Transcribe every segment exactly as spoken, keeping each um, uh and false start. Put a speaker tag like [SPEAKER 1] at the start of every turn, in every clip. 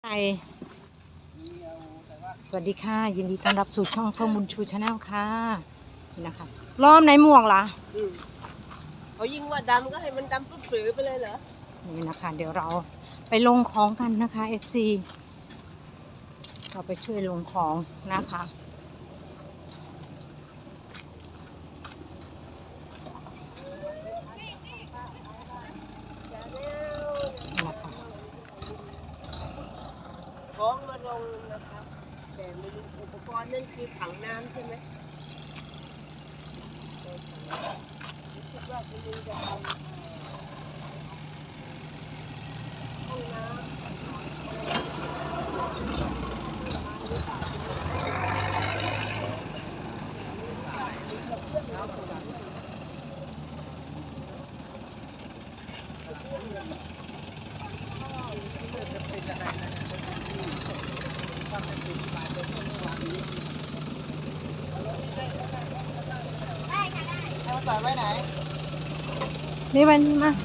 [SPEAKER 1] สวัสดีค่ะยินดีต้อนรับสู่ช่องเฟิร์มบุญชูชาแนลค่ะนี่นะคะล้อมไหนหมวกล่ะ
[SPEAKER 2] เขายิงว่าดำก็ให้มันดำปุ๊บปรือไปเลยเหรอ
[SPEAKER 1] นี่นะคะเดี๋ยวเราไปลงของกันนะคะ เอฟ ซี เราไปช่วยลงของนะคะ
[SPEAKER 2] ของมาลงนะครับแต่ไม่รู้อุปกรณ์นั่นคือถังน้ำใช่ไหมคิดว่าคุณลุงจะทำห้องน้ำต่อไว้ไหน
[SPEAKER 1] นี่วันนี้มา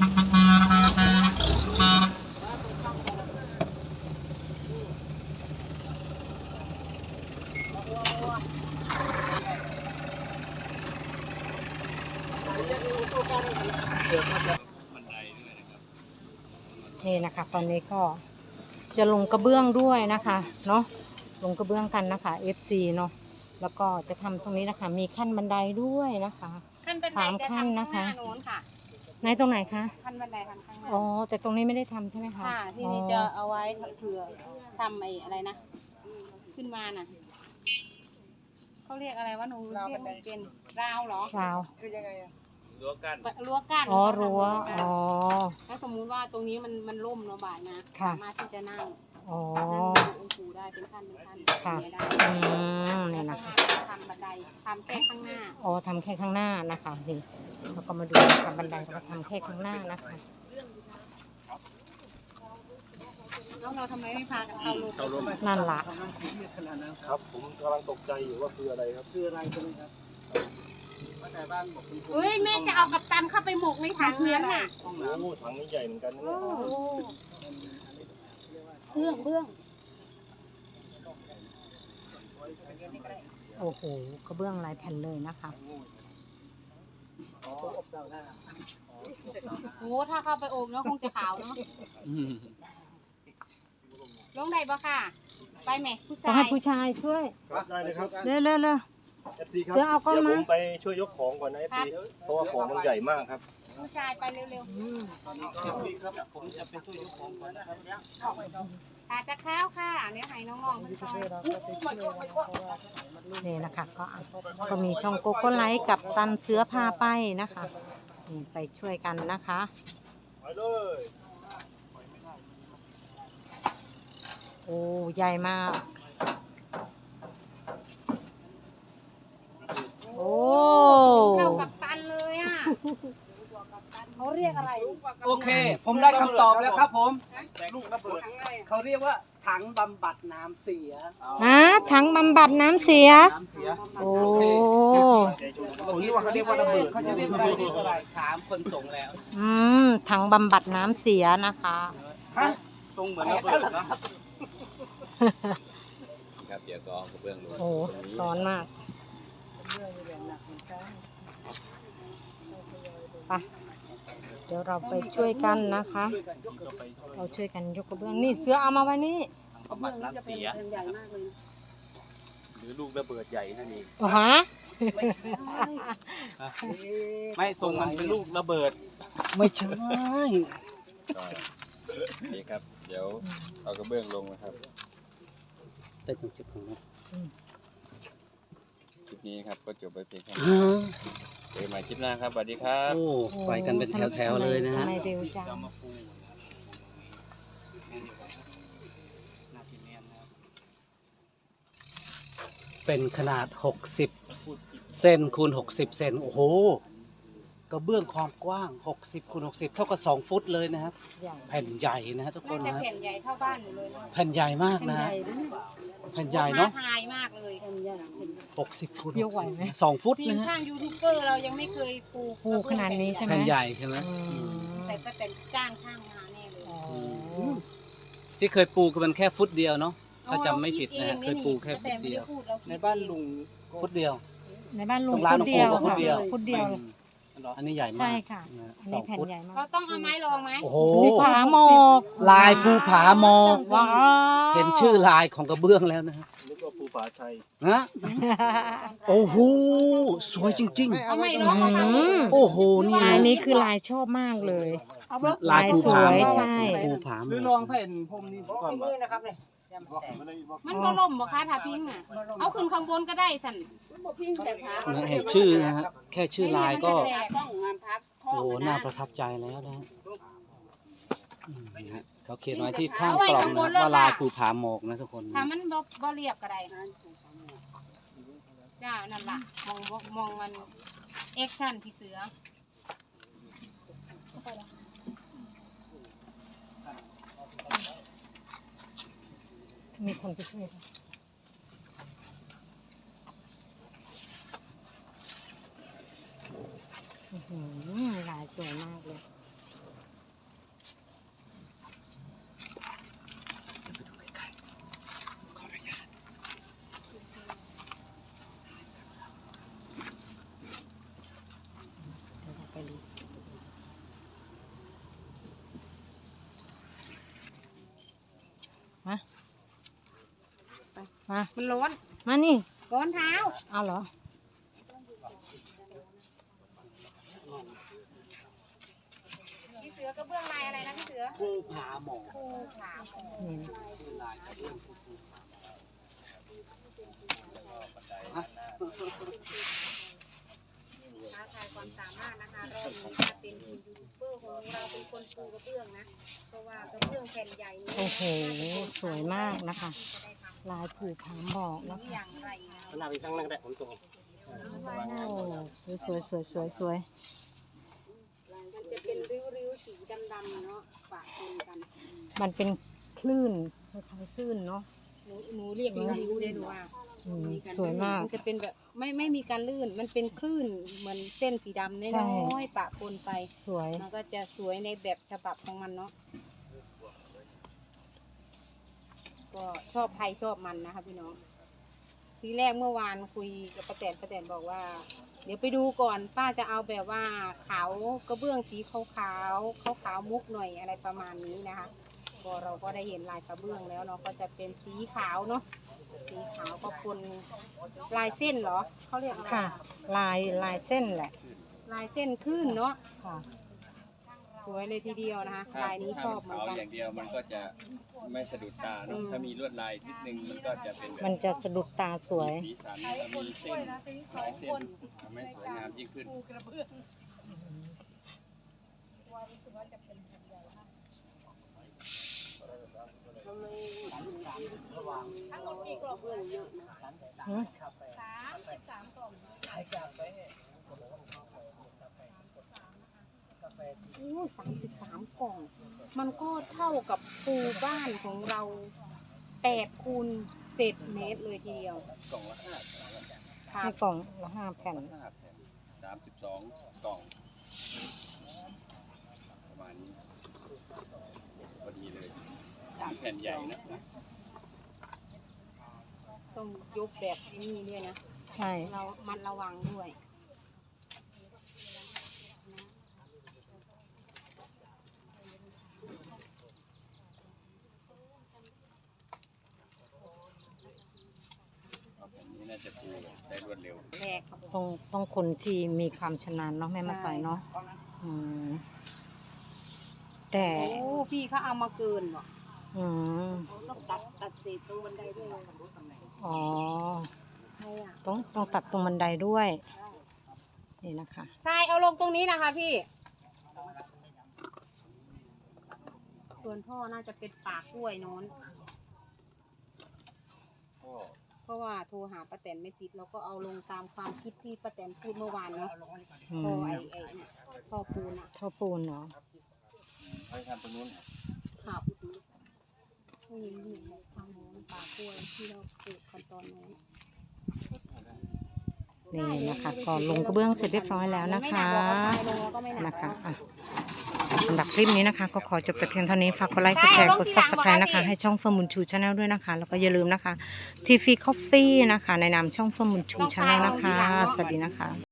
[SPEAKER 1] นี่นะคะตอนนี้ก็จะลงกระเบื้องด้วยนะคะเนาะลงกระเบื้องกันนะคะ เอฟ ซี เนาะแล้วก็จะทำตรงนี้นะคะมีขั้นบันไดด้วยนะคะสามขั้นนะคะในตรงไหนคะ
[SPEAKER 3] ขั้นบันไดทางข้างหน้า
[SPEAKER 1] อ๋อแต่ตรงนี้ไม่ได้ทำใช่ไหมคะ
[SPEAKER 3] ค่ะที่นี่จะเอาไว้เผื่อทำไอ้อะไรนะขึ้นมาน่ะเขาเรียกอะไรว่าหนูเรียกไม่เป็นราวเหรอ
[SPEAKER 1] ราว
[SPEAKER 2] คือยังไงอะ
[SPEAKER 3] รั้วกั้นรั้วกั้น
[SPEAKER 1] อ๋อรั้วอ๋อ
[SPEAKER 3] ถ้าสมมุติว่าตรงนี้มันมันล่มเนาะบ่ายนะสามารถที่จะนั่ง
[SPEAKER 1] อ๋อ
[SPEAKER 3] นั่งดูองค์ปู่ได้เป็นขั้นเป็นขั้น
[SPEAKER 1] ค่ะอืมนี่นะคะ
[SPEAKER 3] ทำบันไดทำแค่ข้างหน้า
[SPEAKER 1] อ๋อทำแค่ข้างหน้านะคะนี่เราก็มาดูทำบันไดเราก็ทำแค่ข้างหน้านะคะ
[SPEAKER 3] แล้วเราทำไมไม่พากันเข้าร่ม
[SPEAKER 1] นั่นล่ะ
[SPEAKER 4] ครับผมกำลังตกใจอยู่ว่าคืออะไรครับคืออะไรใช่ไหมครับแต่บ้านบอกคุณ
[SPEAKER 3] เฮ้ยแม่จะเอากับตันเข้าไปหมกในถังนั้นน่ะ
[SPEAKER 4] โอ้โหถังนี้ใหญ่เหมือนกันนะเนี่ย
[SPEAKER 3] เบื้องเบื้อง
[SPEAKER 1] โอ้โหกระเบื้องลายแผ่นเลยนะคะ
[SPEAKER 3] โอ้ถ้าเข้าไปโอบแล้วคงจะขาวเนาะลงได้ปะค่ะไปไหมผู้ชาย
[SPEAKER 1] ต้องให้ผู้ชายช่วย
[SPEAKER 4] ได้เลยครับ
[SPEAKER 1] เร็วเร็วเร็ว
[SPEAKER 4] เอฟซีครับเดี๋ยวผมไปช่วยยกของก่อนนะเอฟซีเพราะว่าของมันใหญ่มากครับ
[SPEAKER 3] ผู้ชายไปเร็วๆ
[SPEAKER 4] ครับผมจะไปช่วยยกของก่อนนะครับ
[SPEAKER 3] ขาจะข้าวค่ะเนี่ยให้น้องๆมันซอย
[SPEAKER 1] นี่นะคะก็ก็มีช่องโกโก้ไลท์กับตันเสือพาไปนะคะนี่ไปช่วยกันนะคะ
[SPEAKER 4] ไปเลย
[SPEAKER 1] โอ้ใหญ่มากโอ้
[SPEAKER 3] เท่ากับตันเลยอ่ะเขาเรียกอะไร
[SPEAKER 5] โอเคผมได้คำตอบแล้วครับผมลูกระเบิดเขาเรียกว่าถังบำบัดน้ำเสีย
[SPEAKER 1] ฮะถังบำบัดน้ำเสียโอ้
[SPEAKER 5] ตรงนี้ว่าเขาเรียกว่าระเบิดเขาจะเรียกอะไรเรียกอะไรถามคนส่งแล้ว
[SPEAKER 1] อืมถังบำบัดน้ำเสียนะคะ
[SPEAKER 5] ฮะทรงเหมือนระเบิด
[SPEAKER 4] นะครับเดี๋ยวก็กระเบื้องลง
[SPEAKER 1] โอ้ร้อนมากไปเดี๋ยวเราไปช่วยกันนะคะเราช่วยกันยกกระเบื้องนี่เสือเอามาไว้นี่
[SPEAKER 5] บำบัดน้ำเสียหรือลูกระเบิดใหญ่นั่นเอง
[SPEAKER 1] ฮะ
[SPEAKER 5] ไม่ใช่ไม่ทรงมันเป็นลูกระเบิด
[SPEAKER 1] ไม่ใช่
[SPEAKER 4] นี่ครับเดี๋ยวเอากระเบื้องลงนะครับ
[SPEAKER 5] เต้นจุดของเรา
[SPEAKER 4] คลิปนี้ครับก็จบไปเพียงแค่นี้เจอกันใหม่คลิปหน้าครับสวัสดีครับ
[SPEAKER 5] โอ้ไปกันเป็นแถวๆเลยนะฮะ
[SPEAKER 1] เร็วจัง
[SPEAKER 5] เป็นขนาดหกสิบเซนคูณหกสิบเซนโอ้โหกระเบื้องความกว้างหกสิบคูณหกสิบเท่ากับสองฟุตเลยนะครับแผ่นใหญ่นะฮะทุกคนนะ
[SPEAKER 3] แผ่นใหญ่เท่าบ้านอยู่เลย
[SPEAKER 5] แผ่นใหญ่มากนะแผ่นใหญ่เนาะ
[SPEAKER 3] ทายมากเลย
[SPEAKER 5] หกสิบคูณสองฟุตนะฮะ
[SPEAKER 3] ช่างยูทูบเบอร์เรายังไม่เคยปู
[SPEAKER 1] ปูขนาดนี้ใช่ไหม
[SPEAKER 5] แผ่นใหญ่ใช่ไหม
[SPEAKER 3] แต่ก็แต่จ้างช่างมาแน่เลย
[SPEAKER 5] ที่เคยปูคือมันแค่ฟุตเดียวเนาะถ้าจำไม่ผิดนะฮะเคยปูแค่ฟุตเดียว
[SPEAKER 4] ในบ้านลุงก็
[SPEAKER 5] ฟุตเดียว
[SPEAKER 1] ในบ้านลุง
[SPEAKER 5] ตรงร้าน
[SPEAKER 1] ฟุตเดียว
[SPEAKER 5] ลุงปูก็ฟุต
[SPEAKER 1] ค่ะ
[SPEAKER 5] เดียว
[SPEAKER 1] ฟุตเดียว
[SPEAKER 5] อันนี้ใหญ่มาก
[SPEAKER 1] ใช่ค่ะ
[SPEAKER 5] นฮ
[SPEAKER 1] อัน
[SPEAKER 5] สอ
[SPEAKER 1] นี้
[SPEAKER 5] ง
[SPEAKER 1] แผ่น
[SPEAKER 5] ฟุต
[SPEAKER 1] ใหญ่มาก
[SPEAKER 3] เราต้องเอาไม้รองไหม
[SPEAKER 5] โอ้โห
[SPEAKER 1] สีผาหมอก
[SPEAKER 5] ลายภูผาหมอก
[SPEAKER 1] ว้าว
[SPEAKER 5] เห็นชื่อลายของกระเบื้องแล้วนะฮะ
[SPEAKER 4] นึกว่าภูผาชัย
[SPEAKER 5] ฮะโอ้โหสวยจริง
[SPEAKER 3] เอาไม้รองมาทำ
[SPEAKER 1] อืม
[SPEAKER 5] ๆ โอ้โหนี่
[SPEAKER 1] ลาย
[SPEAKER 5] นะ
[SPEAKER 1] นี้คือลายชอบมากเลย
[SPEAKER 5] ลายภูผาหม
[SPEAKER 1] ลายสวย
[SPEAKER 5] อก
[SPEAKER 1] ใช่
[SPEAKER 5] ภูผาหม
[SPEAKER 4] หรือ
[SPEAKER 5] อ
[SPEAKER 4] ลอก งแผ่นพรมนี่ก่อน
[SPEAKER 2] มือนะครับเนี่ย
[SPEAKER 4] บอกไม่ได้บอก
[SPEAKER 3] มันก็ล่มบ่คะถ้าพิงอ่ะ เอาขึ้นข้างบนก็ได้สั่น
[SPEAKER 2] บ่พิงแต่ขา
[SPEAKER 5] นะเห็นชื่อนะฮะแค่ชื่อลายก็
[SPEAKER 3] ไม่เนี่ยมันจะแตต้องงานพับ
[SPEAKER 5] โอ้น่าประทับใจแล้วนะฮะอืมนะฮะเขาเขียนไว้ที่ข้างกล่องนะว่าลายภูผาหมอกนะทุกคน
[SPEAKER 3] ถ้ามันบ่บ่เรียบก็ได้จ้านั่นล่ะมองบ่มองมันแอคชั่นที่เสือ
[SPEAKER 1] มีคนไปช่วยค่ะอื้อหือลายสวยมากเลย เดี๋ยวเราไปดูมามา
[SPEAKER 3] มันร้อน
[SPEAKER 1] มานี่
[SPEAKER 3] ร้อนเท้า
[SPEAKER 1] เอาเหรอ
[SPEAKER 3] พี่เสือกระเบื้องลายอะไรนะพี่เสือ
[SPEAKER 5] ภูผาหมอก
[SPEAKER 3] ภูผาหมอก
[SPEAKER 1] นี่
[SPEAKER 5] ชื่อลายกระเบื้องภูผา
[SPEAKER 3] ท้าทายความสามารถนะคะรอบนี้จะเป็นยูทูบเบอร์ของเราเป็นคนปูกระเบื้องนะ เพราะว่ากระเบื้องแผ่นใหญ่นี้
[SPEAKER 1] โอ้โห สวยมากนะคะ ลายผูกผาหมอกนะ
[SPEAKER 3] อ
[SPEAKER 1] คะ
[SPEAKER 3] ย่างไรนะ
[SPEAKER 4] ขนาดเป็นข้างล่างแต่ผมตรง
[SPEAKER 1] โอ้สวยสวยสวยสวยสวย
[SPEAKER 3] มันจะเป็นริ้วๆสีดำๆเนาะปะปนกัน
[SPEAKER 1] มันเป็นคลื่นคล้ายๆคลื่นเนาะ
[SPEAKER 3] หนูหนูเรียกริ้วๆได้ดูว่า
[SPEAKER 1] อืมสวยมาก
[SPEAKER 3] มันจะเป็นแบบไม่ไม่มีการลื่น มันเป็นคลื่นเหมือนเส้นสีดำน้
[SPEAKER 1] ใช่
[SPEAKER 3] อยๆปะปนไป
[SPEAKER 1] สวย
[SPEAKER 3] มันก็จะสวยในแบบฉบับของมันเนาะ ก็ชอบใครชอบมันนะคะพี่น้อง ทีแรกเมื่อวานคุยกับป้าแตนป้าแตนบอกว่า เดี๋ยวไปดูก่อนป้าจะเอาแบบว่าขาวกระเบื้องสีขาวขาวขาวขาวๆมุกหน่อยอะไรประมาณนี้นะคะก็เราก็ได้เห็นลายกระเบื้องแล้วเนาะก็จะเป็นสีขาวเนาะสีขาวก็ปนลายเส้นเหรอเขาเรียกอะไร
[SPEAKER 1] ค่ะ ลายลายเส้นแหละ
[SPEAKER 3] ลายเส้นขึ้นเนาะ
[SPEAKER 1] ค่ะ
[SPEAKER 3] สวยเลยทีเดียวนะคะลายนี้ชอบเหมือน
[SPEAKER 6] ขาว
[SPEAKER 3] กัน
[SPEAKER 6] อย่างเดียวมันก็จะไม่สะดุดตา
[SPEAKER 3] อื
[SPEAKER 6] เนอะ
[SPEAKER 3] ม
[SPEAKER 6] ถ้ามีลวดลายนิดนึงมันก็จะเป็นแบบ
[SPEAKER 1] มันจะสะดุดตาสวย
[SPEAKER 6] สีสันถ้ามีเส้นหลายเส้นทำให้สวยงามยิ่งขึ้น
[SPEAKER 1] หืม
[SPEAKER 3] โอ้สามสิบสามกล่อง มันก็เท่ากับปูบ้านของเราแปดคูณเจ็ดเมตรเลยทีเดียว
[SPEAKER 6] กล่องละห้า
[SPEAKER 3] ครั
[SPEAKER 1] ให้
[SPEAKER 3] บ
[SPEAKER 1] กล่องละห้าแผ่น
[SPEAKER 6] ห้าแผ่นสามสิบสองกล่อง ประมาณนี้พอดีเลยสามแผ่นใหญ่นะ
[SPEAKER 3] ต้องยกแบบไอ้นี้ด้วยนะ
[SPEAKER 1] ใช่
[SPEAKER 3] เรามันระวังด้วย
[SPEAKER 6] ผมนี้น่าจะปูได้รวดเร็ว
[SPEAKER 3] แรกครับ
[SPEAKER 1] ต้องต้องคนที่มีความชำนาญเนาะแม่มาต่อยเนาะอืมแต่
[SPEAKER 3] โอ้พี่เขาเอามาเกินว่ะ
[SPEAKER 1] อืม
[SPEAKER 3] ต้องตัดตัดเศษตรงบันไดด้วย
[SPEAKER 1] อ๋อ
[SPEAKER 3] ใช่อ่ะ
[SPEAKER 1] ต้องต้องตัดตรงบันไดด้วย นี่นะคะ
[SPEAKER 3] ทรายเอาลงตรงนี้นะคะพี่ ส่วนท่อน่าจะเป็นปากกล้วยโน้น เพราะว่าโทรหาป้าแตนไม่ติดเราก็เอาลงตามความคิดที่ป้าแตนพูดเมื่อวานเนาะ
[SPEAKER 1] อื
[SPEAKER 3] ท่อ
[SPEAKER 1] ม
[SPEAKER 3] ไอ้ไอ้ท่อปูนอะ
[SPEAKER 1] ท่อปูนเนาะ
[SPEAKER 6] ให้ทำตรงนู้น
[SPEAKER 3] ขับผู้หญิงหญิงทางโน้นปากกล้วยที่เราปลูกกันตอนโน้น
[SPEAKER 1] นี่นะคะก็ลงกระเบื้องเสร็จเรียบร้อยแล้วนะ
[SPEAKER 3] ไม่ห
[SPEAKER 1] คะ
[SPEAKER 3] นักหรอกเอาทรายลงแล้วก็ไม่หนัก
[SPEAKER 1] นะคะ
[SPEAKER 3] แล้ว
[SPEAKER 1] อ่ะสำหรับคลิปนี้นะคะก็ขอจบแต่เพียงเท่านี้ฝากกดไลค์กดแชร์กด ซับสไครบ์ นะคะให้ช่องเฟิร์มบุญชูชาแนลด้วยนะคะแล้วก็อย่าลืมนะคะทีฟีคอฟฟี่นะคะในนามช่องเฟิร์มบุญชูชาแนลนะคะสวัสดีนะคะ